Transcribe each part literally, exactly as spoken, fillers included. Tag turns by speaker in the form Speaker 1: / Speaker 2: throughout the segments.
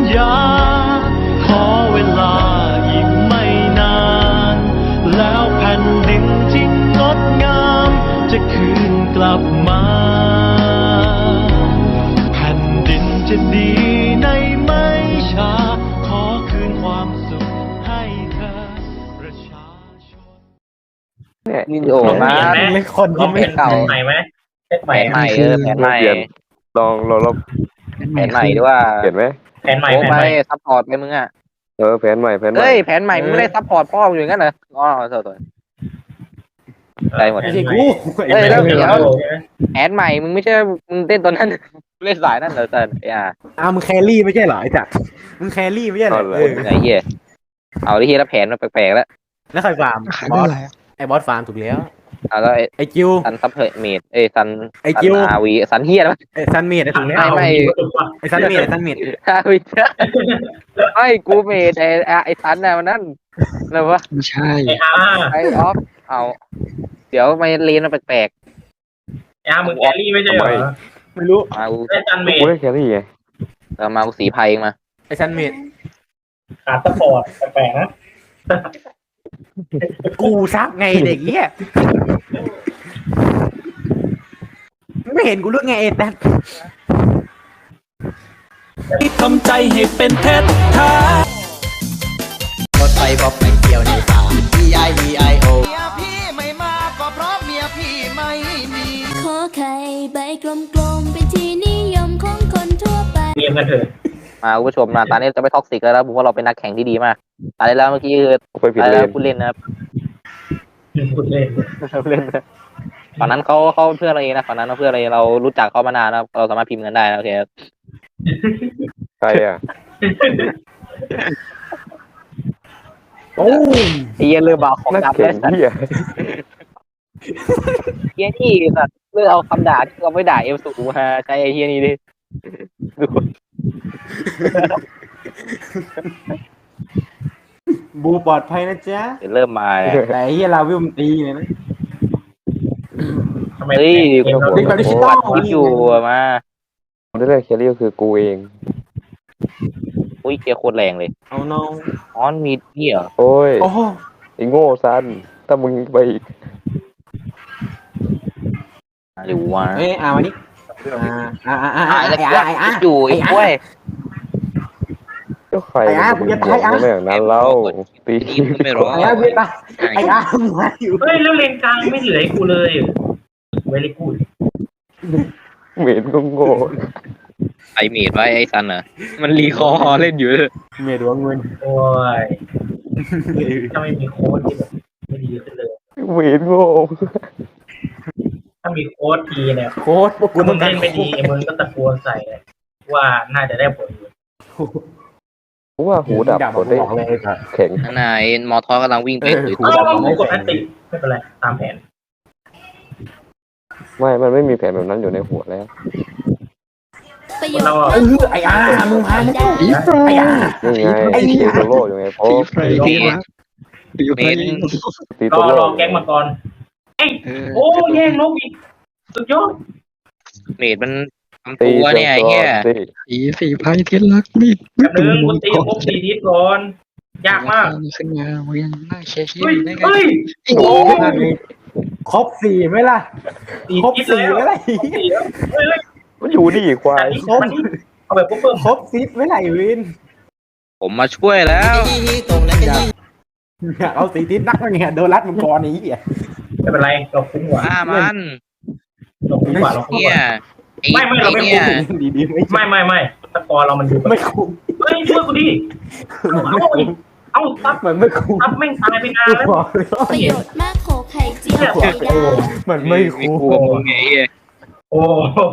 Speaker 1: ญาขอเวลาอีกไม่นานแล้วแผ่นดินที่งดงามจะคืนกลับมาแผ่นดินจะดีในไม่ช้าขอคืนความสุขให้เธอประชาชน
Speaker 2: เนี่ยนี่โอ้มาไม่คนที่ไม่เก่า
Speaker 3: ใหม่ไหมแผน
Speaker 2: ใหม่เออแผนใหม่
Speaker 4: ลองลองลอง
Speaker 2: แผนใหม่ด้วยว่า
Speaker 4: เห็นไหม
Speaker 3: แผนใหม่
Speaker 2: โอ้
Speaker 3: แผน
Speaker 2: ไม่
Speaker 3: ใหม่
Speaker 2: ซัพพอร์ตไปมึงอ่ะ
Speaker 4: เออแผนใหม่แผนใหม่
Speaker 2: เฮ้ยแผนใหม่มึงไม่ได้ซัพพอร์ตพ่อมึงอย่างนั้นเหรออ๋อโทษได้หมด
Speaker 3: ไม่ใช่กู
Speaker 2: เฮ้ยแล้วเดี๋ยวแผนใหม่มึงไม่ใช่มึงเต้นตอนนั้นเล่นสายนั่นเหรอเต้นอ่ะ
Speaker 5: อ้าวมึงแครี่ไม่ใช่เหรอไอ้จักมึงแครี่ไม่ใช่เหรอเออ
Speaker 2: ไงเหี้ยเอาที่แล้วแผนมันแปลกๆแล้ว
Speaker 5: แล้วใครฟาร์มบอสไอ้บอสฟาร์มถูกแล้ว
Speaker 2: เอาแล้ว
Speaker 5: ไอ้จิว
Speaker 2: ซันซัพเพอร์เมดเอ้ซัน
Speaker 5: ไอ้จิว
Speaker 2: อาวีซันเฮียแล้ว
Speaker 5: ไอ้ซันเมดไอ้ถูกแล้ว
Speaker 2: ไม่ไม่
Speaker 5: ไอ้ซันเมดไอ้ซันเมด
Speaker 2: อาวีไม่กูเมดไอ้ไอ้ซันน่ะมันนั่นแล้ววะ
Speaker 6: ไม่ใช่
Speaker 3: ไอ้อา
Speaker 2: ไอ้ออฟเอาเดี๋ยวไม่เลนมันแปลก
Speaker 3: ไอ้อามึงแครี่ไม่ใช่เหรอ
Speaker 5: ไม่รู้
Speaker 2: ๆมากู
Speaker 3: ไอ้จันเม
Speaker 4: กู
Speaker 3: ย์
Speaker 4: ได้แค่นี้ไง
Speaker 2: เอามากูสีไพ่เองมา
Speaker 5: ไอ้ซันเมด
Speaker 3: ขาดสปอร์ตแปลกๆนะ
Speaker 5: กูซักไงเด็กเหี้ยไม่เห็นกูรู้ไงไอ้แต๊ด
Speaker 1: ทำใจให้เป็นเพชรแท้
Speaker 7: รถไฟบอกไม่เกี่ยวในสาม E I D I O
Speaker 8: เมียพี่ไม่มาก็เพราะเมียพี่ไม่มี
Speaker 9: ขอไข่ใบกลมๆเป็นที่นิยมของคนทั่วไป
Speaker 3: เรียมกันเถอะ
Speaker 2: มาคุณผู้ชมนะตอนนี้จะไม่ท็อกซิกแล้วนะผมว่าเราเป็นนักแข่งที่ดีมากตอนนี้แล้วเมื่อกี้คือ
Speaker 4: ไปผิด
Speaker 2: ตอน
Speaker 4: เล
Speaker 2: นี้
Speaker 4: น
Speaker 2: แล้วผู้เล่นนะครับ
Speaker 3: พูดเล่น
Speaker 2: ผู้เล่นนะตอนนั้นเขาเขาเพื่อนเราเองนะตอนนั้นเขาเพื่อนเราเองเรารู้จักเขามานานนะเราสามารถพิมพ์กันได้นะโอเค
Speaker 4: ใครอ่ะ
Speaker 5: โอ้ย
Speaker 2: ไอ้เหี้ยเรือบ่าวของ
Speaker 4: นัก
Speaker 2: ดำ
Speaker 4: แข่
Speaker 2: ได้
Speaker 4: ง
Speaker 2: สัตว์
Speaker 4: ที่อ่ะ
Speaker 2: เฮียนี่สัตว์เลือกเอาคำด่าที่เราไม่ด่าเอลสูมาใช้ไอ้เฮียนี่ดิดู
Speaker 5: บูปลอดภัยนะจ๊ะ
Speaker 2: เดี๋ยวเริ่มมาเนี่ย
Speaker 5: แต่ไอ้เหี้ยลาวิวมันตีเลยนะ
Speaker 3: ทำไม
Speaker 2: เฮ้ย
Speaker 3: เกมเรา
Speaker 5: เด็กแบบดิจิตอล
Speaker 2: วิอยู่มา
Speaker 4: คนที่ได้แครี่ก็คือกูเอง
Speaker 2: อุ้ยเกียร์โคตรแรงเลย
Speaker 5: เอาน้อง
Speaker 2: อ๋อมีนี่เหรอ
Speaker 4: โอ้ย
Speaker 5: โอ้โห
Speaker 4: ไอ้โง่ซันถ้ามึงไปอีก
Speaker 2: หรือว่า
Speaker 5: เอ้ยอ่ามานี่อ่าอ่าอ่าอ่า
Speaker 2: อ่ะ
Speaker 5: ไอ้
Speaker 2: แล้ว
Speaker 5: อ่าไอ้อ่า
Speaker 2: อยู่ไอ้กล้วย
Speaker 4: ก็ใคร
Speaker 5: ไอ้อา
Speaker 4: มึง
Speaker 5: มึงจะ
Speaker 4: บอก
Speaker 5: ไอ้อา
Speaker 4: ไม่อย่างนั้นแล้วตี
Speaker 2: นี่มึงไม่รู้
Speaker 5: ไอ้อ่าเวียตาไอ้อ่ามาอยู่
Speaker 3: เฮ้ยแล้วเลนกลางไม่เหลือให้กูเลยเวลิกูด
Speaker 4: เหม็นก็โง่
Speaker 2: ไอเมดไว้ไอ้ซันอ่ะมันรีคอร์เล่นอยู่เลย
Speaker 5: เมียดวงเงิน
Speaker 3: โอ้ยถ้าไม่มีโค้ดที่แบบไม่ดีขึ้นเลย
Speaker 4: เหม็นโง่
Speaker 3: ถ้ามีโค้ดทีเนี่ย
Speaker 5: โค้ดพวกกู
Speaker 3: ถ้ามึ
Speaker 5: ต้อง งการ
Speaker 3: เล่นไม่ดีมึงก็ตะโกนใส่เลยว่าน่าจะได้ผลอยู่
Speaker 4: กูว่าหูดับ
Speaker 5: ดับ
Speaker 4: หมดได้
Speaker 5: บอกเลยไอ้สัส
Speaker 4: แข็ง
Speaker 2: นั่นน่ะไอ้มอทอกำลังวิ่งไปถือ
Speaker 5: กู
Speaker 2: ตัว
Speaker 3: เอามึงกดอันติไม่เป็นไรตามแผน
Speaker 4: ไม่ มันไม่มีแผนแบบนั้นอยู่ในหัวแล้ว
Speaker 9: ประโยช
Speaker 3: เรา
Speaker 9: น์
Speaker 5: เออไอ้อ่ามึงพาไม่ได้
Speaker 6: ผีไฟ
Speaker 5: ไอ้อ่า
Speaker 4: นี่ไง
Speaker 5: ไอ้เหี้
Speaker 4: ตี
Speaker 5: ย
Speaker 4: โซโล่อยู่ไงเพราะ
Speaker 6: ผีไฟที่รักผีไฟ
Speaker 4: ตี
Speaker 3: ร
Speaker 4: โซ
Speaker 3: อ
Speaker 4: โล่
Speaker 3: รอแก๊งมาก่อนเอ้ยโอ้แย่งนกอีกสุดยอด
Speaker 2: เมดมันทำ
Speaker 4: ตี
Speaker 2: ตัวเนี่ยไอ้เหี้ย
Speaker 4: ตี
Speaker 6: ผีสีไฟที่รักนี่
Speaker 3: แป๊บนึงกูตีพวกตีทิศก่อนยากมาก
Speaker 6: ขึ้นมามึงยังนั่งเชียร์เชีย
Speaker 3: เฮ้ย
Speaker 6: ร์ได้ไง
Speaker 3: เฮ้ย
Speaker 5: โอ้ยครบสี่ไหมล่ะ
Speaker 3: ตี
Speaker 5: ครบ
Speaker 3: ทิศ
Speaker 5: สี่
Speaker 3: แล้ว
Speaker 5: ไหมล่ะ
Speaker 3: ครบสี่แล้วเฮ้ยเฮ้ย
Speaker 4: มันอยู่นี่ควาย
Speaker 3: ครบเอาแบบเพิ่ม
Speaker 5: ครบซิปไหมล่ะไอ้วิน
Speaker 2: ผมมาช่วยแล้ว
Speaker 7: ตรงนั้นก็ยิ่ง
Speaker 5: อยากเอาสีทิศนักเนี่ยโดนรัดมังกรนี้อ่ะ
Speaker 3: ไม่เป็นไรเราคุ้มกว่า
Speaker 2: ฆ่ามัน
Speaker 3: เราคุ้มกว่าเราคุ้ม
Speaker 2: เนี่
Speaker 3: ก
Speaker 2: ย
Speaker 3: ว่า
Speaker 2: ไอ้
Speaker 3: ไม่ไม่เราไม่
Speaker 2: เนี่ย
Speaker 5: ดีดีๆไม่
Speaker 3: ไม่ไม่ไม่ตะกอนเรามันดูแบบ
Speaker 5: ไม่คุ้ม
Speaker 3: เฮ้ยช่วยกูดิ
Speaker 5: มันไม่คุ้ม
Speaker 3: เอาตับ
Speaker 5: มันไม่คุ้ม
Speaker 3: ตับแม่งตายไปนาน
Speaker 5: กู
Speaker 3: แล้ว
Speaker 5: บอกเลยว่า
Speaker 9: ประโยชน์มากโขไข่เจียวไข่
Speaker 3: โอ้
Speaker 9: ดาว
Speaker 5: มันไม่
Speaker 2: มี
Speaker 5: คุ้ม
Speaker 2: กลัวมึงไงไอ้เหี้ย
Speaker 3: โอ้โห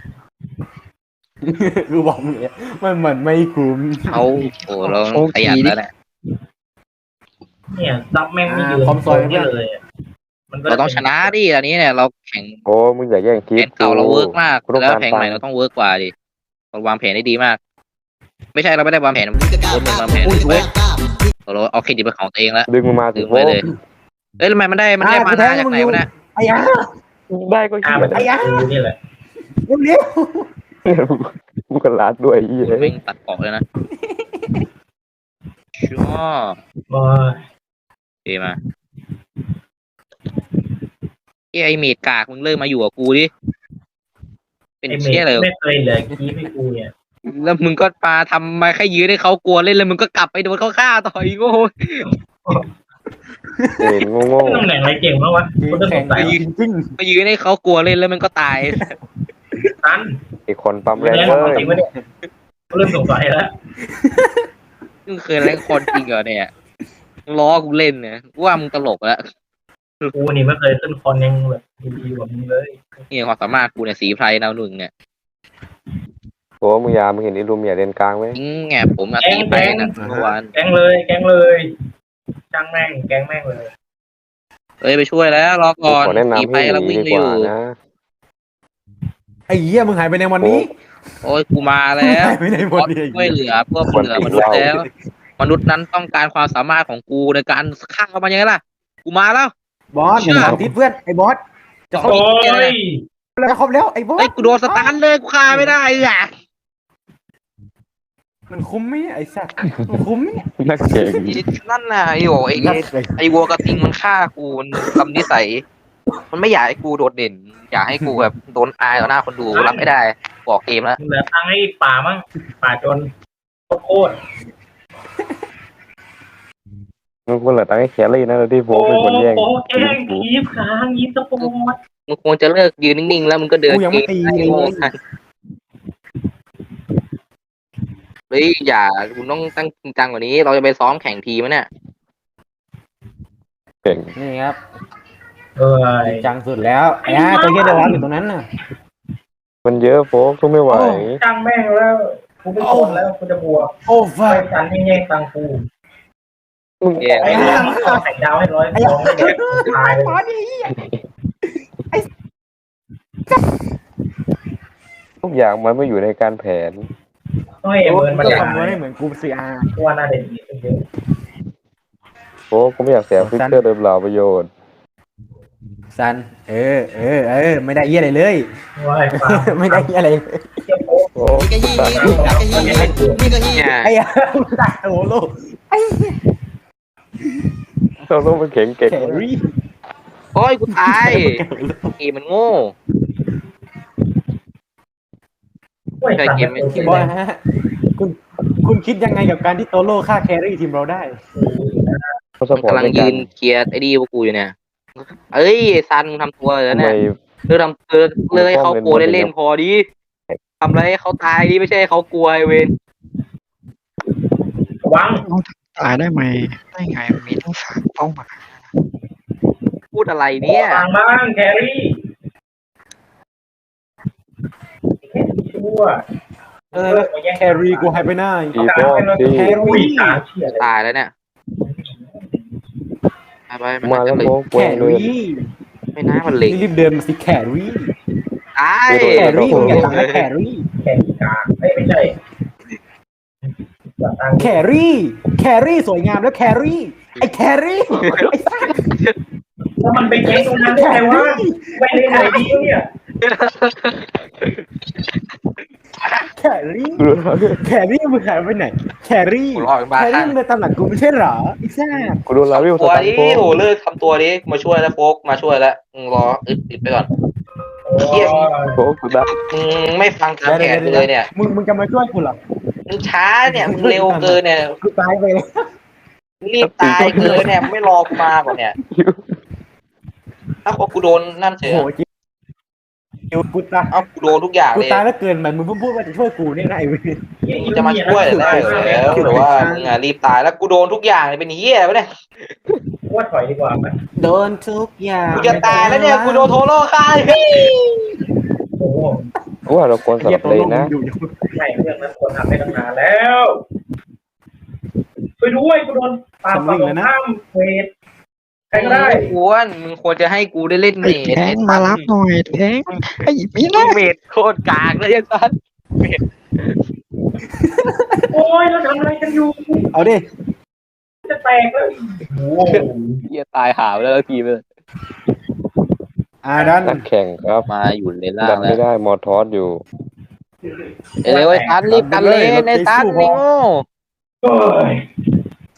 Speaker 5: กูบอกเนี่ยมันมันไม่คุ้ม
Speaker 2: เขาโอ้เราขยันแล้วแหละ
Speaker 3: เนี่ยตับแม่งไม่ยืนนี่เลยมันก็
Speaker 2: เราต้องชนะดิตอนนี้เนี่ยเราแข่ง
Speaker 4: โอ้มึงอย่าแย่งทิ
Speaker 2: แผ
Speaker 4: ศ
Speaker 2: นเก่าเราเวิร์กมาก
Speaker 4: กูต้อง
Speaker 2: แล้ว
Speaker 4: การ
Speaker 2: แผนใหม่เราต้องเวิร์กกว่าดิเราวางแผนได้ดีมาก ไม่ใช่เราไม่ได้วางแผนคนหนึ่งวางแผนเลยเราเอาเครดิตเป็นของตัวเองแล้ว
Speaker 4: ดึงมันมาสิ
Speaker 2: ดึงไปเลยเอ้ยทำไมมันได้มันได้มานาจากไหนวะเนี่ย
Speaker 5: ไอ้ยา
Speaker 4: ได้ก็
Speaker 3: อ่า
Speaker 4: เหี้ย
Speaker 3: มันจะนี่แหละ
Speaker 5: เร็ว
Speaker 4: กูกันลาดด้วยไอ้เหี้ย
Speaker 2: มันตัดออกเลยนะชัวร์
Speaker 3: โอ้ย
Speaker 2: เอมาไอไอเมดกากมึงเลิกมาอยู่กับกูดิเป็น
Speaker 3: ไอเม
Speaker 2: เชี่ย
Speaker 3: ย์
Speaker 2: เลย
Speaker 3: ไม่เคยเหลือคีบให้กูเนี่ย
Speaker 2: แล้วมึงก็มาทำมาแค่ยื้อให้เขากลัวเล่นแล้วมึงก็กลับไปโดนเขาฆ่าต่ออีกโง่
Speaker 4: เห็นโง่
Speaker 3: ตำแหน่งอะไรเก่งมากวะกูจะส
Speaker 5: แข่ง
Speaker 3: งสัย
Speaker 5: จริง
Speaker 2: ไปยื้อให้เขากลัวเล่นแล้วมันก็ตาย
Speaker 3: ตัน
Speaker 4: ๆไอ้คนปั๊มแร
Speaker 3: แรง ง
Speaker 4: เล
Speaker 3: ของ
Speaker 4: ย
Speaker 3: จริงวะเนี่ยกูเริ่มสงสัยแล้ว
Speaker 2: มึงเคยเล่นคนจริงเหรอเนี่ยล้อกูเล่นเนี่ยกูว่ามึงตลกแล้ว
Speaker 3: กูนี่ไม่เคยขึ้นคอนยังแบบดีๆกว่ามึงเลย
Speaker 2: นี่ความสามารถกูเนี่ยสีไพรดาวหนึ่งเนี่ย
Speaker 4: โอ้มึงยามึงเห็นไอ้ลูเมียเลนกลางไหม
Speaker 2: จริงไงผมอะสีไพรนะเมื่อวาน
Speaker 3: แกงเลยแกงเลยจ้างแม่งแกงแม่งเลย
Speaker 2: เอ้ยไปช่วยแล้วรอก่อน
Speaker 4: ขอแนะ
Speaker 2: สี
Speaker 4: นำ
Speaker 2: ไพร
Speaker 4: ให้ห
Speaker 2: เรา
Speaker 4: นี
Speaker 2: วิ่ง
Speaker 4: ดี
Speaker 2: ไป
Speaker 4: ก
Speaker 2: อ
Speaker 4: ว่า
Speaker 2: ยู่
Speaker 4: นะ
Speaker 5: ๆไอ้เหี้ยมึงหายไปในวันนี้
Speaker 2: โอ้ยกูมาแล้ว
Speaker 5: หายไปในวันนี้
Speaker 2: ช่วยเหลือเพื่อเหลือมนุษย์แล้ว มนุษย์นั้นต้องการความสามารถของกูในการฆ่ามันยังไงล่ะ กูมาแล้ว
Speaker 5: บอสอย่าถามทิศเพื่อนไอ้บอสจะครบ
Speaker 3: โอ้ย
Speaker 5: แล้วครบแล้วไอ้บอส
Speaker 2: ไอ้ยกูโดนสตันเลยกูฆ่าไม่ได้อ่ะ
Speaker 5: มันคุ้มไหมไอ้สัตว์มันคุ้มไหม
Speaker 4: นักเก่ง
Speaker 2: นั่นน่ะไอ้โหไอ้ไอ้ไอ้วัวกระทิงมันฆ่ากูมันทำนิสัย มันไม่อยากให้กูโดดเด่น อยากให้กูแบบโดนอายต่อหน้าคนดูรับไม่ได้บอกเกมแล้ว
Speaker 3: เหลือตังค์ให้ป่ามั้งป่าจนโคตร
Speaker 4: มึงควรเหลือตังค์ให้แคลรี่นะแล้วที่โฟ
Speaker 3: โอ้
Speaker 4: กเป็นคนแย่ง
Speaker 3: โหแกงคีบค้างยีสปอร์ต
Speaker 2: มึงควรจะเลิกยืนนิ่งๆแล้วมึงก็เดิน
Speaker 5: กูยังไม่ตี
Speaker 2: เก
Speaker 5: เลย
Speaker 2: โง่กันเฮ้ยอย่าคุณต้องตั้งจริงจังกว่านี้ เราจะไปซ้อมแข่งทีมเนี่ย
Speaker 4: เก่ง
Speaker 5: นี่ครับ
Speaker 3: เอ้ย
Speaker 5: จังสุดแล้วไอ้ห่าตัวเหี้ยเดวัสอยู่ตรงนั้นน่ะ
Speaker 4: มันเยอะโฟกทุกไม่ไหว
Speaker 3: จ้างแม่งแล้วกูไม่ทนแล้วกูจะบวก
Speaker 5: โอ้
Speaker 3: ไป
Speaker 5: ฟัก
Speaker 3: ฉันให้แย่งตังค์กู
Speaker 4: มึง
Speaker 2: แย่
Speaker 3: ไอ้เรื่องเอาไข่ดาวให้ร้อยฟองไม่แดกตายเลย
Speaker 5: บอสดิ
Speaker 4: ทุกอย่างมันไม่อยู่ในการแผน
Speaker 3: ต้องให้เบิร์นมา
Speaker 5: ก็
Speaker 3: ด่า
Speaker 5: ทำให้เหมือนกูซีอาร์
Speaker 3: ตัวน่าเด่นดีขึ้นเยอะ
Speaker 4: โฟกกูไม่อยากเสียฟิกเกอร์เดิมเปล่าประโยชน์
Speaker 5: ซันเออเออเออไม่ได้เหี้ยอะไรเลย
Speaker 3: ว่าไอ้ฟาร์ม
Speaker 5: ไม่ได้เหี้ยอะไรเลย
Speaker 3: เจ้าโป๊ะ
Speaker 4: โอ้
Speaker 7: นี่ก็ยี่นี่ก็ยี่นี่ก็ยี่
Speaker 2: เนี่ย
Speaker 5: ไอ้ห่าตัดโอ้โหไอ้เหี้ย
Speaker 4: เราต้องเป็นเก่งเก่ง
Speaker 5: แครี่
Speaker 2: โอ้ยกูตายเกมมันโง่
Speaker 3: โอ้ย
Speaker 2: ใช่เกมไม่
Speaker 5: บอสฮะคุณคุณคิดยังไงกับการที่โตโร่ฆ่าแครี่ทีมเราได้
Speaker 4: เขาส
Speaker 2: มัน
Speaker 4: ปอร์ต
Speaker 2: กำลัง
Speaker 4: ใน
Speaker 2: ยื
Speaker 4: การ
Speaker 2: นเคลียร์ไอ้ดีพวกกูอยู่เนี่ย เอ้ยซันมึงทำตัวเลย
Speaker 4: ทำ
Speaker 2: นะ
Speaker 4: ไม
Speaker 2: เนี่ยเลิกทำเลิกเลิกให้เขากลัวเล่นๆพอดิทำอะไรให้เขาตายดิไม่ใช่ให้เขากลัวไอ้เวน
Speaker 3: วัง
Speaker 6: ตายได้ไหมได้ไงมันมีทั้งสามเป้าหมาย
Speaker 2: พูดอะไรเนี่ย
Speaker 3: วางบ้างแครี่แครี่ชั่ว
Speaker 5: เออแครี่กูหายไปไหน
Speaker 4: ตีโป้ตี
Speaker 5: แครี่
Speaker 3: ตาเฉียดเลย
Speaker 2: ตายแล้วเนี่ยไปไป
Speaker 4: มา
Speaker 2: มัน
Speaker 4: แล้ว
Speaker 2: จะ
Speaker 4: โฟ
Speaker 2: เลย
Speaker 4: ก
Speaker 5: แค
Speaker 4: เวงเลย
Speaker 5: รี่
Speaker 2: ไม่น่ามันเล็ง
Speaker 5: นี่รีบเดินมาสิแครี่
Speaker 2: ตาย
Speaker 5: แครี่มึงอย่าตังค์นะแครี่
Speaker 3: แครี่กลางไม่ไม่ใช่อย่าตังค์
Speaker 5: แครี่แครี่สวยงามแล้วแครี่ไอ้แครี่ไอ้สัส
Speaker 3: แล้วมันไปแย่งตรงนั้นได้ไงวะไปเล่นไหนดีวะเนี่ย
Speaker 5: แครี่แครี่มึงหายไปไหนแครี่
Speaker 2: กูรอดบ้า
Speaker 5: แครี่มึงเดินตามหลังกูไม่ใช่เหรอไอ้แซ่บ
Speaker 4: กูโดนลาวิวส
Speaker 2: ตัว
Speaker 4: ตัน
Speaker 2: นี้
Speaker 4: โฟก
Speaker 2: โหเลิกทำตัวนี้มาช่วยแล้วโฟกมาช่วยแล้วมึงรออึดติดไปก่อน
Speaker 3: โอ้ย
Speaker 4: โฟกกูได้
Speaker 2: มึงไม่ฟังตามแผนกูเลยเนี่ย
Speaker 5: มึงมึงจะมาช่วยกูเหรอ
Speaker 2: มึงช้าเนี่ยมึงเร็วเกินเนี่ย
Speaker 5: กูตายไปเลย
Speaker 2: มึงรีบตายเกินเนี่ยไม่รอกูมาก่อนเนี่ย ถ้ากูโดนนั่นเฉ
Speaker 5: โอ้
Speaker 2: ย
Speaker 5: โหจริงกูตาย
Speaker 2: เอ้ากูโดนทุกอย่าง
Speaker 5: กู
Speaker 2: เลย
Speaker 5: ตายแล้วเกินไปมึงเพิ่งพูดว่าจะช่วยกูเนี่ยนะไอ้เว้ย
Speaker 2: มึงจะมาช่วยได้แล้วหรือว่ามึงอ่ะรีบตายแล้วกูโดนทุกอย่างเลยเป็นเหี้ยไปเนี่ย
Speaker 3: ว่าถอยดีกว่าไหม
Speaker 5: โดนทุกอย่าง
Speaker 2: กูจะตายแล้วเนี่ยกูโดนโทโร่ฆ่า
Speaker 3: โอ้โห
Speaker 4: กูว่าเราควรส
Speaker 5: เหี้ย
Speaker 4: ลับ
Speaker 5: ตัว
Speaker 4: เล
Speaker 5: ล
Speaker 4: น
Speaker 5: ง
Speaker 4: นะ
Speaker 5: อยู่อยู่
Speaker 3: ไม่เรื่องนั้นควรทำให้ตั้งนานแล้วไปด้วยกูโดนปาฝั่งข้ามเวทใครก็ได้
Speaker 2: ไม่ควรมึงควรจะให้กูได้เล่นเม
Speaker 6: ไอ้
Speaker 2: ด
Speaker 6: แทงมารับหน่อยแทงไอ้ไม่ได้
Speaker 2: เมดโคตรกากเลยยังซัน
Speaker 3: โอ้ยเราทำอะไรกันอยู่
Speaker 5: เอาดิ
Speaker 3: จะแตกแล้วโอ้โห
Speaker 2: เหี้ยตายหาวแล้วทีไปเลย
Speaker 5: อ่าดัน
Speaker 4: นักแข่งครับ
Speaker 2: มาอยู่เลนล่า
Speaker 4: ดั
Speaker 2: ง
Speaker 4: น
Speaker 2: แล้
Speaker 4: ไม่
Speaker 2: ว
Speaker 4: ได้มอทอสอยู่
Speaker 2: เร็วไอ้ซันรีบกันเลยไอ้ซันนี่โง่
Speaker 3: โอ้ย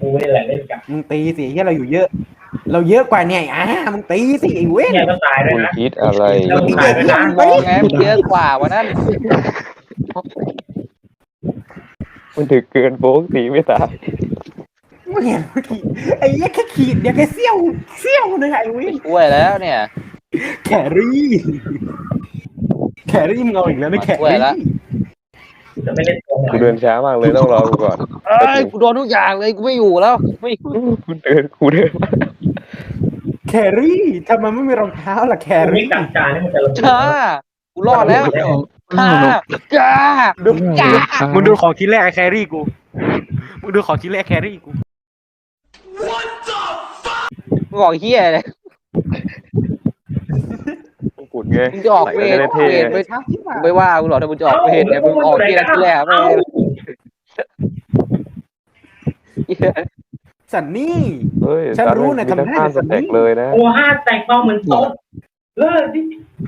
Speaker 3: นี่แหละเล่นกับ
Speaker 5: มึงตีสิเฮียเราอยู่เยอะ เราเยอะกว่าเนี่ยอ่ะมึงตีสิไอ้เว้ย
Speaker 3: เนี่ยก็ตายเลย
Speaker 4: มึง
Speaker 3: นะ
Speaker 4: คิดอะไร
Speaker 3: แล้วมึงตายเลยนะ
Speaker 2: มองไงมันเยอะกว่าวันนั้น
Speaker 4: มันถึกเกินโป๊กตีไม่ตาย
Speaker 5: มึงเห็นเมื่อกี้ไอ้เหี้ยแค่ขีดเดียวแค่เสี้ยวเสี้ยวนึงไอ้เว้ย
Speaker 2: ช่วยแล้วเนี่ย
Speaker 5: แครี่แครี่มึงเอาอีกแล้วนะแค
Speaker 2: ช่วย
Speaker 5: รี่
Speaker 2: แล้ว
Speaker 3: จะไม่เล่นตัวไหน
Speaker 4: กูเดินช้ามากเลยต้องรอกูก่อน
Speaker 2: เอ้ยกูโดนทุกอย่างเลยกูไม่อยู่แล้วไม่อยู่
Speaker 4: กูเดินกูเดินมา
Speaker 5: แครี่ทำไมไม่มีรองเท้าล่ะแค
Speaker 3: แต่ไม่
Speaker 5: รี่
Speaker 3: กัดจานนี่มันจะระเบิด
Speaker 2: ช้ากูรอดแล้วช้าจ้า
Speaker 5: ดูมึงดูของชิ้นแรกไอ้แครี่กูมึงดูของชิ้นแรกแครี่กู
Speaker 2: มึงบอกเฮียเลย
Speaker 4: มงกุฎไง
Speaker 2: มึงจะออกเวร
Speaker 4: ใส่
Speaker 2: เว
Speaker 4: เท่
Speaker 2: รไม่ไม่ว่ากูหรอกถ้ามึงจะออกเวรเนี่ยมึงออกที่นั่นที่แรกไม่
Speaker 5: สันนี่
Speaker 4: เฮ้ย
Speaker 5: ฉันรู้นะ
Speaker 4: มีแต่
Speaker 5: ทำได้
Speaker 4: ข้าม
Speaker 5: แต่
Speaker 4: ส
Speaker 5: สันนี่
Speaker 4: แต็กเลยนะ
Speaker 3: ตัวห้าแตกต้องเหมือนโต๊ะเลิกดิ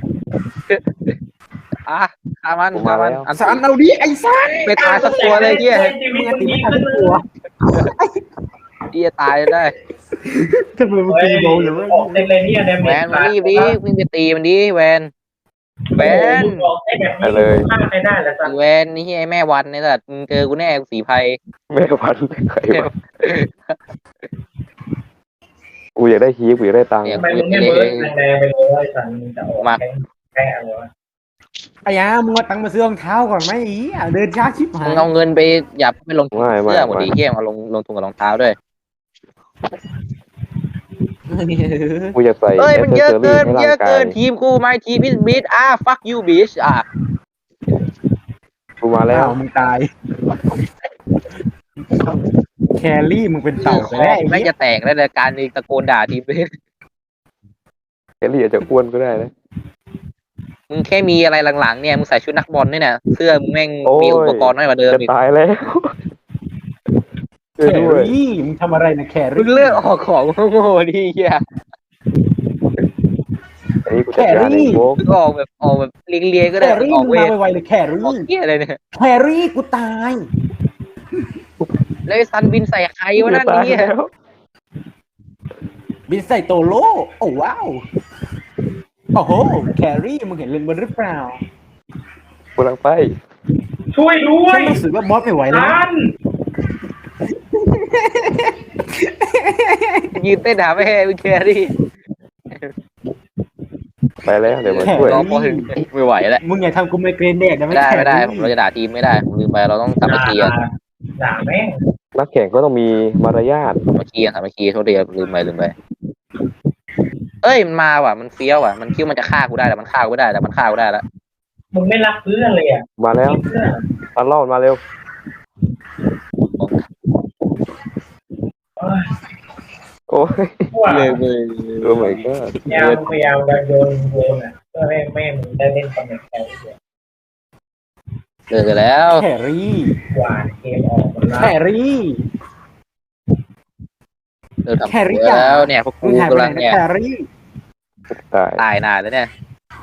Speaker 2: อ่ะฆ่ามันฆ่ามันอัน
Speaker 5: สันเอาดิไอ้สัน
Speaker 2: ไปตายสักตัวเลยเฮีย
Speaker 3: ชี
Speaker 5: มึ
Speaker 3: วิ
Speaker 5: ง
Speaker 3: ต
Speaker 5: อะ
Speaker 3: มึง
Speaker 5: ตี
Speaker 3: ดี
Speaker 5: ไม่ทัน
Speaker 3: ขึ้น
Speaker 5: ทุกตัว
Speaker 2: เฮียตายได้
Speaker 5: ทำไมมึง
Speaker 3: เฮ้ย
Speaker 5: ตีโบเลยเว้ย
Speaker 3: ออกเต็มเลยเนี่ยเดม
Speaker 2: แวนมารีบดิมึงจะตีมันดิแวนแวน
Speaker 3: ออกได้แบบนี้ฆ่าใครได้แล้วสัก
Speaker 2: แวนนี่เฮียแม่วันเนี่ยสัตว์มึงเจอกูแน่กูสีภัย
Speaker 4: แม่พันธุ์ใครวะกูอยากได้ฮีฟกูอยากได้ตังค์
Speaker 3: ทำไมมึงไม่เบิร์ดแรงๆไปเลยสันมึงจะออกแค่อะไรวะ
Speaker 5: ไอ้ยามึงเอาตังค์มาซื้อรองเท้าก่อนไหมอีอ่ะเดินช้าชิบหา
Speaker 2: มึ
Speaker 5: ย
Speaker 2: งเอาเงินไปอย่าไปลงทุน
Speaker 4: ไม่ไม่
Speaker 2: เสื้อหมด
Speaker 4: ไม่
Speaker 2: ดีเฮียมาลงลงทุนกับรองเท้าด้วย
Speaker 4: กูอยากใส่
Speaker 2: เอ้ย
Speaker 4: แอ
Speaker 2: มัน
Speaker 4: สเซ
Speaker 2: เย
Speaker 4: อ
Speaker 2: อะ
Speaker 4: รี่
Speaker 2: เกิน
Speaker 4: ให้
Speaker 2: เย
Speaker 4: ร่า
Speaker 2: อะ
Speaker 4: งกา
Speaker 2: เกิ
Speaker 4: ย
Speaker 2: นทีมกูไม่ทีมพิสบิดอ่ะ fuck you bitch อ่ะ
Speaker 4: กูมาแล้
Speaker 5: แล้ว วมึงตาย แครี่มึงเป็นเต่าไป
Speaker 2: คอ
Speaker 5: แล้วไอ้
Speaker 2: ไม่
Speaker 5: เหี้ย
Speaker 2: จะแตกแล้วในการนี้ตะโกนด่าทีม
Speaker 4: แคลรี่อาจจะอ้วนก็ได้นะ
Speaker 2: มึงแค่มีอะไรหลังๆเนี่ยมึงใส่ชุดนักบอลเนี่ยนะเสื้อมึงแม่ง
Speaker 4: โอ้ย
Speaker 2: มีอุปกรณ์น้อยกว่าเดิม
Speaker 4: จะ
Speaker 2: อีก
Speaker 4: ตายแล้วช่วย
Speaker 5: แค
Speaker 4: ด้วย
Speaker 5: รี่มึงทำอะไรนะแค
Speaker 2: มึ
Speaker 5: รี่
Speaker 2: งเลือกออกของโง่ๆดิเฮีย
Speaker 4: ไอ้นี่กูจัดการเองโว้
Speaker 2: มึงออกแบบออกแบบเลียงๆก็
Speaker 5: แค
Speaker 2: ได้
Speaker 5: รี่
Speaker 2: ออก
Speaker 5: มึง
Speaker 2: เว
Speaker 5: มา
Speaker 2: ท
Speaker 5: ไวๆเลยแค
Speaker 2: ออก
Speaker 5: รี่
Speaker 2: เฮียอะไรเนี่ย
Speaker 5: แครี่กูตาย
Speaker 2: แล้วไอ้ซันบินใส่ใครวะนั่น
Speaker 4: ตาย
Speaker 2: เนี่ย
Speaker 4: แล้ว
Speaker 5: บินใส่โตโลโอ้ว้าวโอ้โหแครี่มึงเห็นเลนบนหรือเปล่า
Speaker 4: กูกำลังไป
Speaker 3: ช่วยด้ว
Speaker 5: ฉั
Speaker 3: ย
Speaker 5: นรู้สึกว่าบอสไม่ไหวแล้ว
Speaker 3: สั
Speaker 5: นะ
Speaker 3: น
Speaker 2: ยืนเต้นหาแม่มึงแครี่
Speaker 4: ไปแล้วเดี๋ยวมาช่วย
Speaker 2: รอพอถึงไม่ไหวแล้ว
Speaker 5: มึงอย่าทำกูไมเกรนแดกนะ
Speaker 2: ไม่ได้
Speaker 5: แค
Speaker 2: ไม่ได้
Speaker 5: รี่
Speaker 2: เราจะด่าทีมไม่ได้ผมลืมไปเราต้องสามัคคีกัน
Speaker 3: ด่าแม่ง
Speaker 4: นักแข่งก็ต้องมีมารยาท
Speaker 2: สามัคคีกันสามัคคีโทษทีลืมไปลืมไปเอ้ยมันมาว่ะมันเฟี้ยวว่ะมันคิดว่ามันจะฆ่ากูได้แต่มันฆ่ากูไม่ได้แต่มันฆ่ากูได้แล้ว
Speaker 3: มึงไม่รักเพื่อนเลยอ่ะ
Speaker 4: มาแล้ว
Speaker 3: เพื่อน
Speaker 4: ตันเล่ามาเร็ว โอ้ย
Speaker 3: ว่า
Speaker 2: เลยเลย
Speaker 4: โอ้ my god
Speaker 3: พยายามพยายามโยนโยนอ่ะเพื่อให้แม่มึงได้เล่นตำแหน่งแครี่
Speaker 2: เลิกกันแล้ว
Speaker 5: แครี่
Speaker 3: หวานเกมออกหมดแล้
Speaker 5: แคว รี่
Speaker 2: เลิกทำ
Speaker 5: แครี่
Speaker 2: แล้วเนี่ยพวก
Speaker 5: มึ
Speaker 2: กู
Speaker 5: งหายไป
Speaker 2: กำ
Speaker 5: ไหน
Speaker 2: ลัง
Speaker 5: นะ
Speaker 2: เนี่ย
Speaker 5: แครี่
Speaker 4: ตาย
Speaker 2: ตายนานแล้วเนี่ย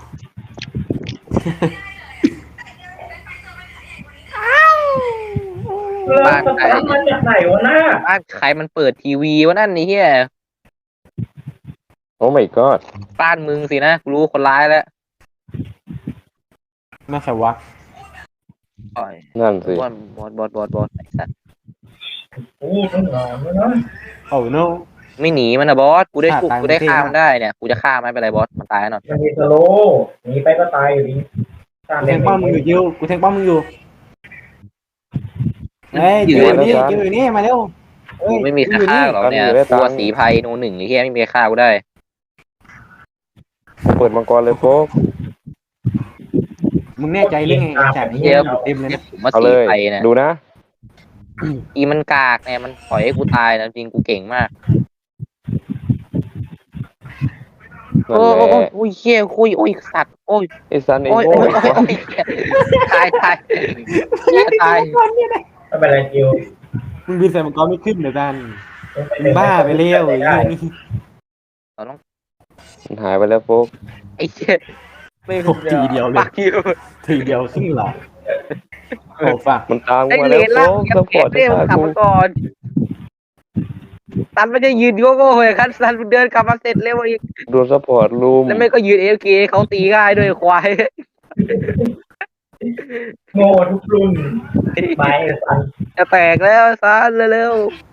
Speaker 3: แล้วสตาร์ทมาจากไหนวะหน้า
Speaker 2: บ้านใครมันเปิดทีวีวะนั่นนี่เฮีย
Speaker 4: โอ้ my god
Speaker 2: บ้านมึงสินะกูรู้คนร้ายแล้ว
Speaker 5: ไม่ใช่วะ
Speaker 2: โอ้ย
Speaker 4: นั่นสิ
Speaker 2: บอสบอสบอสบอสบอสไอ้สัตว์
Speaker 3: โอ้ต้องนอนแล้วนะ
Speaker 5: โอ้โน
Speaker 2: ไม่หนีมันนะบอสกูได้
Speaker 5: ฆ่า
Speaker 2: กู
Speaker 5: ตาย
Speaker 2: กูได้
Speaker 5: มันเท่
Speaker 2: ฆ่า
Speaker 5: าก
Speaker 2: มมันได้เนี่ยกูจะฆ่ามันไม่เป็นไรบอสมันตายแน่นอน
Speaker 3: มันมีสโลหนีไปก็ตายอยู่ดี
Speaker 5: กูแทงป้อมมึงอยู่ยิวกูแทงป้อมมึงอยู่เฮ้ยยิวอยู่นี่ยิวอยู่นี่มาเร็วเฮ้ย
Speaker 2: ไม่มีใครฆ่าหรอกเนี่ยกลัวสีภัยโนหนึ่งไอ้เฮียไม่มีใครฆ่ากูได้
Speaker 4: เปิดมังกรเลยโป๊ก
Speaker 5: มึงแน่ใจเรื่องไงฉากนี้
Speaker 2: เดี๋ยว
Speaker 5: เต็มเลยนะ
Speaker 2: ผมว่า
Speaker 4: เอา
Speaker 2: สี
Speaker 4: เลย
Speaker 2: ภัยเนี่ย
Speaker 4: ดูนะ
Speaker 2: อีมันกากเนี่ยมันปล่อยให้กูตายนะจริงกูเก่งมาก
Speaker 4: นั่
Speaker 2: โอ้
Speaker 4: นแหละ
Speaker 2: โอ้โอ้ยเฮียคุยโอ้ยสัตว์โอ้ย
Speaker 4: ไอ้ซันไอ้
Speaker 2: โอ้ย
Speaker 4: โง่
Speaker 2: โอ้ยโอ้ยโอ้ยตายตายเฮียตาย
Speaker 3: ไม่เป็นไรจิว
Speaker 5: มึงบินใส่มังกรไม่ขึ้นเดี๋ยวกันมึงบ้าไปเร็วไอ้เหี้ยนี่
Speaker 2: เราต้อง
Speaker 4: มันหายไปแล้วโป๊ก
Speaker 2: ไอ้เชี่ยไม่
Speaker 5: โอ้ทีเดียวเลย
Speaker 2: ปักอยู่
Speaker 5: ทีเดียวครึ่งหลอดโอ้ฝาก
Speaker 4: มันตาม
Speaker 2: ไอ้
Speaker 4: กูมา
Speaker 2: เล
Speaker 4: แล้ว
Speaker 2: นล่าง
Speaker 4: โป๊ก
Speaker 2: แก
Speaker 4: ซัพพอร์ต
Speaker 2: เรียก
Speaker 4: จะ
Speaker 2: ขับ
Speaker 4: ฆ่ากู
Speaker 2: มาก่อนซันไม่ได้ยืนโง่โง่เลยครับซันเดินกลับมาเสร็จเร็วอีก
Speaker 4: โดนซัพพอร์ตลุม
Speaker 2: แล้วไม่ก็ยืนเอฟเคเขาตีง่ายด้วยควาย
Speaker 3: โง่ทุกรุ่นไปสัน
Speaker 2: จะแตกแล้วซันเร็ว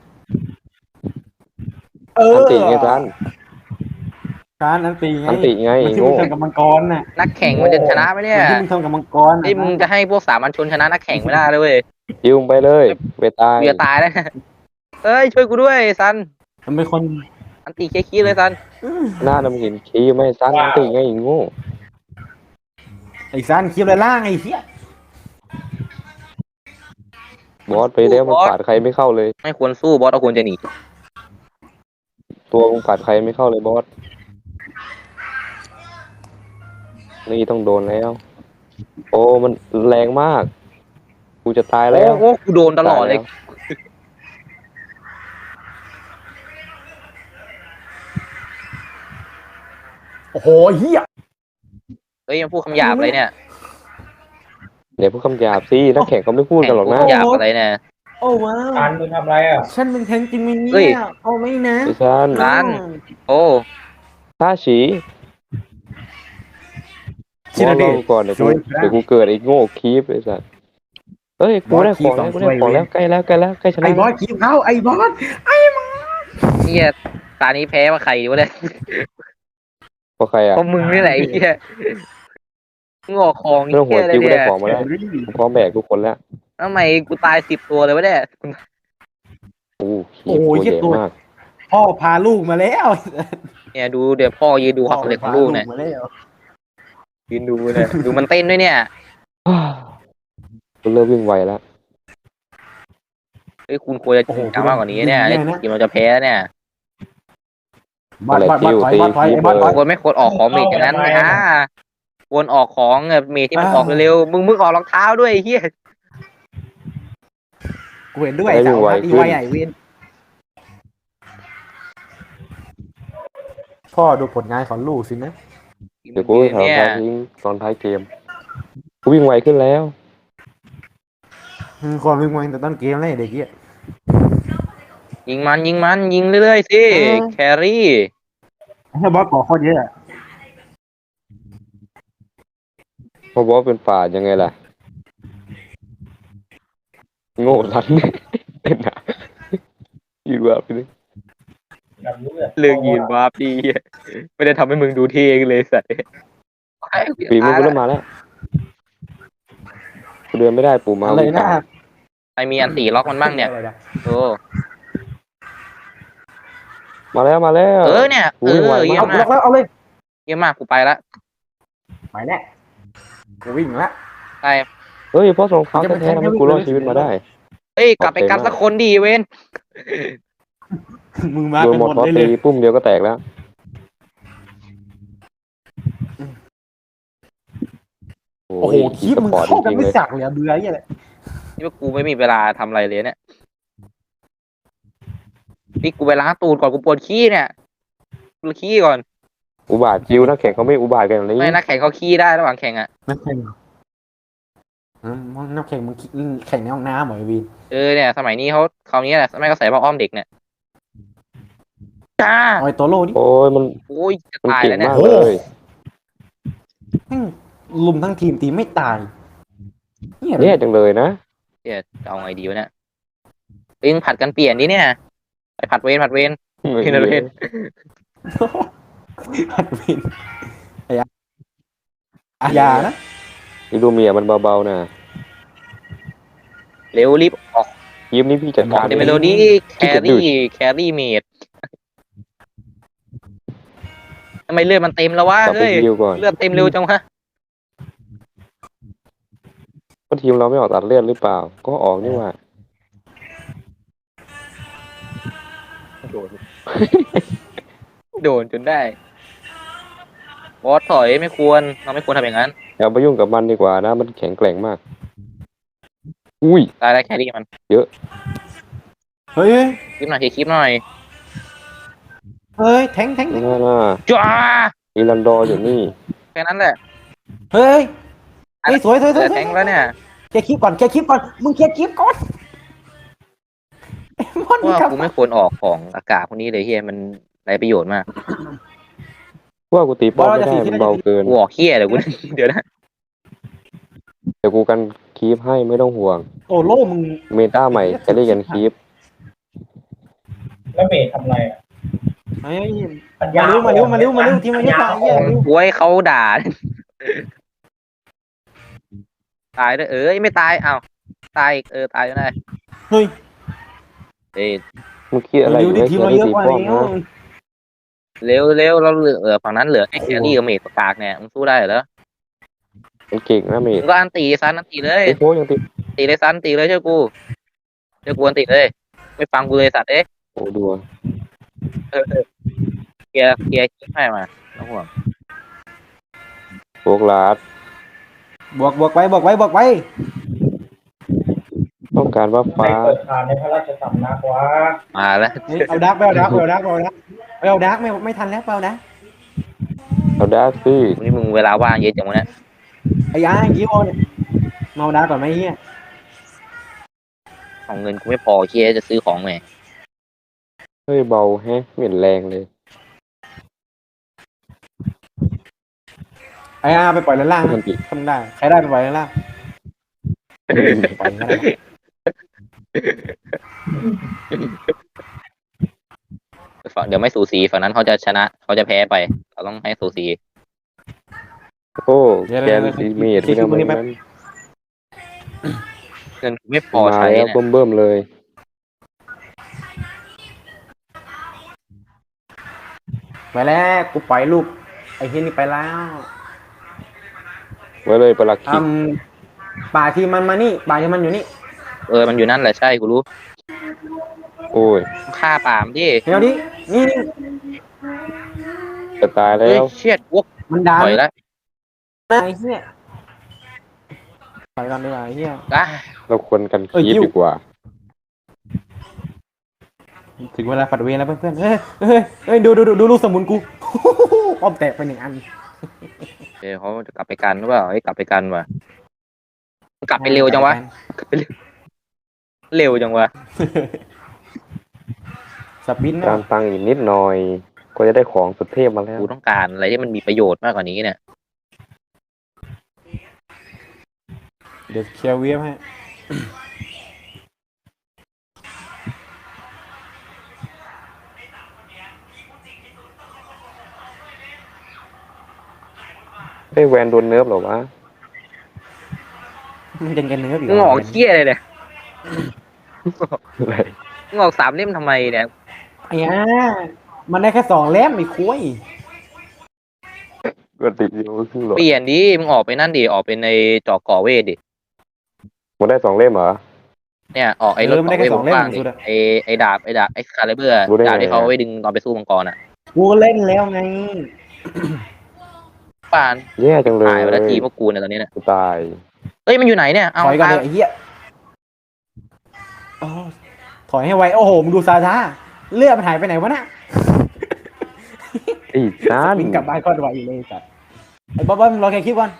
Speaker 5: เออ
Speaker 4: อันติไงซัน
Speaker 5: การอันตีไง
Speaker 4: อันติไง
Speaker 5: มันที่มึ
Speaker 4: โง่
Speaker 5: งทำกับมังกรน่ะ
Speaker 2: ๆนักแข่งมันจะชนะไหมเนี่ย
Speaker 5: มันที่มึงทำกับมังกรน่ะ
Speaker 2: ไอ้ยมึงจะให้พวกสามัญชนชนะนักแข่งไม่ได้เลยเว้ย
Speaker 4: ยิวไปเลยไปตาย
Speaker 2: กูจะตายแล้วนะเอ้ยช่วยกูด้วยซัน
Speaker 5: มันเป็นคน
Speaker 2: อันตีเคคีเลยซัน
Speaker 4: หน้าดำเห็นคีย์ไม่ซันอันติไงโง่
Speaker 5: ไอ้ซันคลิปอะไรล่างไอ้เหี้ย
Speaker 4: บอสไปแล้วมันปาดใครไม่เข้าเลย
Speaker 2: ไม่ควรสู้บอสเอาควรจะหนี
Speaker 4: ตัวมึงปาดใครไม่เข้าเลยบอสนี่ต้องโดนแล้ว โอ้มันแรงมากกูจะตาย
Speaker 2: โอ้
Speaker 4: แล้ว
Speaker 2: โหกูโดนตลอดเลย
Speaker 5: โอ้โหเหี้ย
Speaker 2: เฮ้ยยังพูดคำหยาบอะไรเนี่ย
Speaker 4: เดี๋ยวพูดคำหยาบสินักแข่งเขาไม่พูดกันหรอกนะ
Speaker 2: แข่งพูดคำหยาบอะไรเนี่ย
Speaker 5: โอ้ว้า
Speaker 3: ซั
Speaker 5: วน
Speaker 3: มึงทำอะไรอ่ะ
Speaker 5: ฉันเป็นแทงจริงไหม
Speaker 2: เฮ้
Speaker 5: เนี่ย ยเอาไม่นะ
Speaker 4: ไอ้ซัน
Speaker 2: ซัน โอ้
Speaker 4: ท่าฉี
Speaker 5: คิด
Speaker 4: บอ
Speaker 5: ดู
Speaker 4: ส
Speaker 5: ดิ
Speaker 4: เราก่อนเดี๋ยวกู
Speaker 5: ช่วย
Speaker 4: เดี๋ยวกูเกิดไอ้โง่คีฟไอ้สัสเอ้ยกูได้ของแล้วกูได้ของแล้วใกล้แล้วใกล้แล้วใกล้ชนะ
Speaker 5: ไอ้บอสคิวเข้าไอ้บอส
Speaker 2: เนี่ยตานี้แพ้มาใครวะเนี่ย
Speaker 4: เพราะใครอ่ะ
Speaker 2: เพราะมึงนี่แหละไอ้เหี้ยงอกของ
Speaker 4: ไม่ต้องหัว
Speaker 2: เหี้ยอะไร
Speaker 4: คิวกู
Speaker 2: เนี่
Speaker 4: ได้
Speaker 2: ย
Speaker 4: ของมาแล้วกูพร้อมแบกทุกคนแล้ว
Speaker 2: ทำไมกูตายสิบตัวเลยวะเนี่ย
Speaker 4: โอ้โหตัวใหญ่มาก
Speaker 5: พ่อพาลูกมาแล้ว
Speaker 2: เนี่ยดูเดี๋ยวพ่อยืนดูความสำเร็จของลูกเนี่ย
Speaker 5: พามาแล้ว
Speaker 2: ยืนดูเนี่ยดูมันเต้นด้วยเนี่ย
Speaker 4: กูเริ่มวิ่งไวแล้ว
Speaker 2: เฮ้ยคุณควรจะจริงจังมากกว่านี้เนี่ยไอ้ทีมเราจะแพ้เนี่ย
Speaker 5: บอสบอสบอสถอยบอสถอยไอ้บอสถอย
Speaker 2: ควรไม่ควรออกของเมทอย่างนั้นนะควรออกของแบบเมทที่มันออกเร็วๆมึงมึงออกรองเท้าด้วยไอ้เหี้ย
Speaker 5: กูเห็นด้วยสาวนัดอีไวใหญ่เวนพ่อดูผลงานของลูกสินะ
Speaker 4: เดี๋ยวกูไปถาม
Speaker 2: เนี่ย
Speaker 4: ทางทิ้งตอนท้ายเกมกูวิ่งไวขึ้นแล้ว
Speaker 5: อืมความวิ่งไวแต่ต้นเกมเลยเด็กเหี้ย
Speaker 2: ยิงมันยิงมันยิงเรื่อยๆสิแครี่
Speaker 5: ให้บอสก่อโคตรเยอะ
Speaker 4: เพราะบอสเป็นป่ายังไงล่ะโง่ทันเต้นอะยืนว่าไปเลย
Speaker 3: แบบเลือด
Speaker 2: เลือกยืนวาร์ปดีไม่ได้ทำให้มึงดูเท่เลยสัตว์
Speaker 4: ปีมือกูเริ่มมาแล้วกูเดินไม่ได้ปู่มา
Speaker 5: อะไร
Speaker 4: วิ่ง
Speaker 5: นะ
Speaker 4: ตาม
Speaker 2: ใครมีอันตีล็อกมันบ้างเนี่ยโอ้
Speaker 4: มาแล้วมาแล้ว
Speaker 2: เออเนี่ยเออเยี่ย
Speaker 5: เอา
Speaker 2: มมาก
Speaker 5: แล้วเอาเลย
Speaker 2: เยี่ยมมากกูไปละ
Speaker 5: ไปแล้วกูวิ่งละ
Speaker 2: ไป
Speaker 4: เฮ้ยเพราะสงครามแท้ๆทำให้กูรอดชีวิตมาได้
Speaker 2: เอ้ยกลับไปกันสักคนดีเว้น
Speaker 5: มึงมา
Speaker 4: โดน
Speaker 5: กัน
Speaker 4: หม
Speaker 5: ห
Speaker 4: ด
Speaker 5: มด
Speaker 4: พอ
Speaker 5: เลยเล
Speaker 4: ตี
Speaker 5: ย
Speaker 4: ปุ้มเดียวก็แตกแล้วโอ้
Speaker 5: โอ้โหคลิปมึง
Speaker 4: สปอร์ต
Speaker 5: เข้ากัน
Speaker 4: จริงๆ
Speaker 5: ไม่
Speaker 4: เลย
Speaker 5: จักเลยอะเบื่อไอ้เหี้ยเลย
Speaker 2: นี่ว่ากูไม่มีเวลาทำอะไรเลยเนี่ยนี่กูไปล้างตูดก่อนกูปวดขี้เนี่ยกูขี้ก่อน
Speaker 4: อุบาทจิวนักแข่งเขาไม่อุบาทกันอย่างนี้
Speaker 2: ไม่นักแข่งเขาขี้ได้ระหว่างแข่งอ่ะ
Speaker 5: นักแข่งอืมนักแข่งมึงแข่งในห้องน้ำเหรอไอ้วีน
Speaker 2: เออเนี่ยสมัยนี้เขาคราวนี้แหละไม่ก็ใส่ผ้าอ้อมเด็กเนี่ยจ้า
Speaker 5: เอาไอ้ตัวโลดิ
Speaker 4: โอ้ยมัน
Speaker 2: โอ้ยจะ
Speaker 4: มัน
Speaker 2: ตาย
Speaker 4: เก่ง
Speaker 2: แล้วเนี่ย
Speaker 4: มากเลย
Speaker 5: แม่งลุมทั้งทีมทีมไม่ตายเนี่ย
Speaker 4: เนี่ยจังเลยนะ
Speaker 2: เดี๋ยวจะเอาไงดีวะเนี่ยเอ็งผัดกันเปลี่ยนดิเนี่ยไปผัดเวรผัดเวร เห็นอะไรเห็น
Speaker 5: พัดวินไอ้ยาอาญานะ
Speaker 4: นี่ดูเมียมันเบาๆนะ
Speaker 2: เร็วรีบออก
Speaker 4: ยิ้มนี่พี่จัด
Speaker 2: ออ
Speaker 4: กาก ร
Speaker 2: เดเมโลดี้แครี่แครี่เมดทำไมเลือดมันเต็มแล้ววะ
Speaker 4: กลับไป
Speaker 2: เฮ้ย
Speaker 4: ยิวก่อน
Speaker 2: เลือดเต็มเร็วจังวะ
Speaker 4: ก็ทีมเราไม่ออกตัดเลือดหรือเปล่า ก็ออกนี่หว่า
Speaker 2: โดน โดนจนได้บอสถอยไม่ควรเราไม่ควรทำอย่างนั้น
Speaker 4: อย่าไปยุ่งกับมันดีกว่านะ มันแข็งแกร่งมาก อุ้ย
Speaker 2: ตายแล้วแครี่มัน
Speaker 5: เฮ้ย
Speaker 2: คลิปหน่อยทีคลิปหน่อย
Speaker 5: เฮ้ยแทงแทง
Speaker 4: น่าน่า
Speaker 2: จ้า
Speaker 4: อีลันดอร์อยู่นี่
Speaker 2: แค่นั้นแหละ
Speaker 5: เฮ้ยเฮ้ยสวยสวยส
Speaker 2: เห
Speaker 5: วย
Speaker 2: ลือแทงค์แล้วเนี่ย
Speaker 5: เคลียร์คลิปก่อนเคลียร์คลิปก่อนมึงเคลียร์คลิปก่อนมอน
Speaker 2: เพราะว่า
Speaker 5: กับ
Speaker 2: กูไม่ควรออกของอากาศพวกนี้เลยเฮียมันไรประโยชน์มาก
Speaker 4: ว่ากูตีป้อมไม่ได้มันเบาเกิน
Speaker 2: กูออกเฮียเดี๋ยวกู เดี๋ยวนะ
Speaker 4: เดี๋ยวกูกันคีปให้ไม่ต้องห่วง
Speaker 5: โอ้โล่มึง
Speaker 4: เมตาใหม่แครี่กันคีป
Speaker 3: แล้วเมย์ทำอะไรอ่ะ
Speaker 5: เฮ้ย
Speaker 3: ปัญญา
Speaker 5: มาเร็วมาเร็วมาเร็วมาเร็วทีมมันเยอะตายเหี้ยเร็ว
Speaker 2: กูให้เขาด่า ตายด้วยเอ้ยไม่ตายอ้าวตายอีกเออตายก็ได้
Speaker 5: เฮ้ย
Speaker 2: เอ้ย
Speaker 4: มึงคิดอะไรอ
Speaker 5: เร็ว
Speaker 4: ยู่
Speaker 5: ดิ
Speaker 4: ให้
Speaker 5: ทีม
Speaker 4: แค
Speaker 5: เรา
Speaker 4: รี่
Speaker 5: เยอะ
Speaker 4: ตี
Speaker 5: กว่า
Speaker 4: ป้อม
Speaker 5: แล้ว
Speaker 4: นะ
Speaker 2: เร็วเร็วเราเหลือเออฝั่งนั้นเหลือไอ้แครี่กับเมดกากเนี่ยมึงสู้ได้เหรอ
Speaker 4: มันเก่งนะเม
Speaker 2: มึ
Speaker 4: ด
Speaker 2: งก็อันตีซันอันตีเลย
Speaker 4: ไอ้โค้ยังตี
Speaker 2: ตีเลยซันตีเลยเชื่อกูเชื่อกูอันตีเลย ไม่ฟังกูเลยสัตว์เอ๊ะ
Speaker 4: โอ้ดัว
Speaker 2: เออเออเกียร์เกียร์คิดให้มาน้องห่วง
Speaker 4: โฟกลาด
Speaker 5: บวกบวกไว้บวกไว้บวกไว้
Speaker 4: ต้องการว่า
Speaker 3: ไม่
Speaker 4: ฟ้า
Speaker 3: เปิดทานในพระราชสำนักวะ
Speaker 2: มาแล้ว
Speaker 5: เฮ้ยเอาดักไปเอาดักไปเอาดักไปเอาดักไปเอาดักไม่ไม่ทันแล้วไปเอาดัก
Speaker 4: เอาดาร์คซี่
Speaker 2: วันนี้มึงเวลาว่างเยอะจังวะเนี่ย
Speaker 5: ไอ้ยายี่โอเนี่ยมาเอาดักก่อนไหมเฮีย
Speaker 2: ของเงินกูไม่พอเคียจะซื้อของไง
Speaker 4: เฮ้ยเบาแฮะไม่เห็นแรงเลย
Speaker 5: ไอ้อาไปปล่อยด้านล่าง
Speaker 4: มันติ
Speaker 5: ทำได้ใครได้ไปปล่อยด้านล่างปล่อยด้านล่าง
Speaker 2: ฝั่งเดี๋ยวไม่สูสีฝั่งนั้นเขาจะชนะเขาจะแพ้ไปเราต้องให้สูสี
Speaker 4: โอ้แครี่เมดไม่ทำอะไรนั้น
Speaker 2: เงินกูไม่พอ
Speaker 4: มา
Speaker 2: ใช้
Speaker 4: แล้ว
Speaker 2: เนี่ย
Speaker 4: เบิ่มๆเลย
Speaker 5: ไปแล้วกูปล่อยลูกไอ้เฮียนี่ไปแล้ว
Speaker 4: ไว้เลยประหลัก
Speaker 5: อื
Speaker 4: ขิก
Speaker 5: มป่าที่มันมานี่ป่าที่มันอยู่นี่
Speaker 2: เออมันอยู่นั่นแหละใช่กูรู้
Speaker 4: โอ้ย
Speaker 2: ฆ่าปามดิ
Speaker 5: เดี๋ยวดินี่นี่
Speaker 4: จะตายแล้
Speaker 2: เฮ้ยว เชียดวก
Speaker 5: มันดัน
Speaker 2: ถอยแล้ว
Speaker 5: ไอ้เฮียปล่อยกันดีกว่าไอ้เฮีย
Speaker 2: อ่ะ
Speaker 4: เราควรกัน
Speaker 5: เอ้ย
Speaker 4: คีป
Speaker 5: ยิ้ว
Speaker 4: ดีกว่า
Speaker 5: ถึงเวลาปัดเวรแล้วเพื่อนๆเฮ้ยเฮ้ยเฮ้ยดูดูดูดูลูกสมุนกู ป้อมแตกไปหนึ่งอัน
Speaker 2: เดี๋ยวเขาจะกลับไปกันหรือเปล่าให้กลับไปกันวะกลับไปเร็วจังวะกลับไปเร็วเร็วจังวะ
Speaker 5: สปิน
Speaker 4: ตามตังค์อีกนิดหน่อย ก็จะได้ของสุดเทพมาแล้ว
Speaker 2: กูต้องการอะไรที่มันมีประโยชน์มากกว่านี้เนี่ย
Speaker 5: เดี๋ยวเคลียร์เวียบให้
Speaker 4: ไอ้ยแวนโดนเนิร์ฟเหรอวะ
Speaker 5: มันยังกันเนื้ออยู่
Speaker 2: มึงออกเที่ยเลยเนี่ย
Speaker 4: อะไร
Speaker 2: มึงออกสามเล่มทำไมเนี่ย
Speaker 5: ไอ้ย่ามันได้แค่สองเล่มไอ้คุย
Speaker 4: ก็ติดอยู่ครึ่งหลอด
Speaker 2: เปลี่ยนดิมึงออกไปนั่นดิออกเป็นในจอกก่อเวทดิ
Speaker 4: มันได้สองเล่มเหรอ
Speaker 2: เนี่ยออกไอ้รถก่อเวทบนฟ้างดิไอ้ไอ้ดาบไอ้ดาบไอ้คาลิเบอร์
Speaker 4: รู้ได้ไง
Speaker 2: ดาบที่เขาเอาไว้ดึงตอนไปสู้มังกรอ่ะ
Speaker 5: กูเล่นแล้วไง
Speaker 2: ป่าน
Speaker 4: แย่จังเลย
Speaker 2: ตายไปแล้วทีพวกกูเนี่ยตอนนี้เนี่ย
Speaker 4: กูตาย
Speaker 2: เอ้ยมันอยู่ไหนเนี่ยเอา
Speaker 5: ถอยกัน
Speaker 2: ตาย
Speaker 5: เลยไอ้เหี้ยอ๋อถอยให้ไวโอ้โหมึงดูซาซาเลือดมันหายไปไหนวะน่ะ
Speaker 4: ไอ้นั่น
Speaker 5: วิ่งกลับบ้านก็ไวเลยจัดไอ้บ๊อบบ๊อบมึงรอแค่คลิปก่อน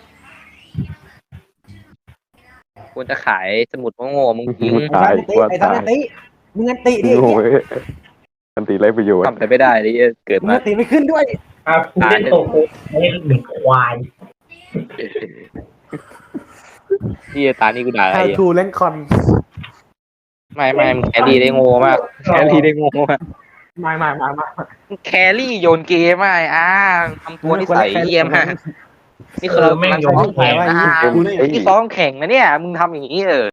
Speaker 2: ควรจะขายสมุดโง่ๆมึงทิ้ง
Speaker 4: ตาย
Speaker 5: ไอ้
Speaker 4: ว่า
Speaker 5: ไอ้ทัน
Speaker 4: ตาย
Speaker 5: ไอ้มึงอันติดิไอ้
Speaker 4: โง่
Speaker 5: เหี้ย
Speaker 4: เว้ยอันตีไรประโยชน์
Speaker 2: ทำอะไรไม่ได้เลยเกิด
Speaker 5: มึง
Speaker 2: มา
Speaker 5: อันติไม่ขึ้นด้วย
Speaker 3: อ่ะกูเล่นโตโกเล่นหนึ่งควาย
Speaker 2: ที่ตานี่กูด่าอะไร
Speaker 5: ไอ้
Speaker 2: อ่ะ
Speaker 5: ทูเล่นคอน
Speaker 2: ไม่ไม่มึงแครี่ได้โง่มากแครี่ได้โง่มาก
Speaker 5: มามามามา
Speaker 2: มึงแครี่โยนเกมไม่อ่าทำตัวนิสัยเยี่ยมมากนี่คือ
Speaker 3: แม่ง
Speaker 2: มัน
Speaker 3: โย
Speaker 2: ซ้อน ม
Speaker 3: แข่
Speaker 2: แข่
Speaker 3: ง
Speaker 2: งนะ
Speaker 5: กูเนี่ย
Speaker 2: นี่ซ้อมแข่งนะเนี่ยมึงทำอย่างนี้เออ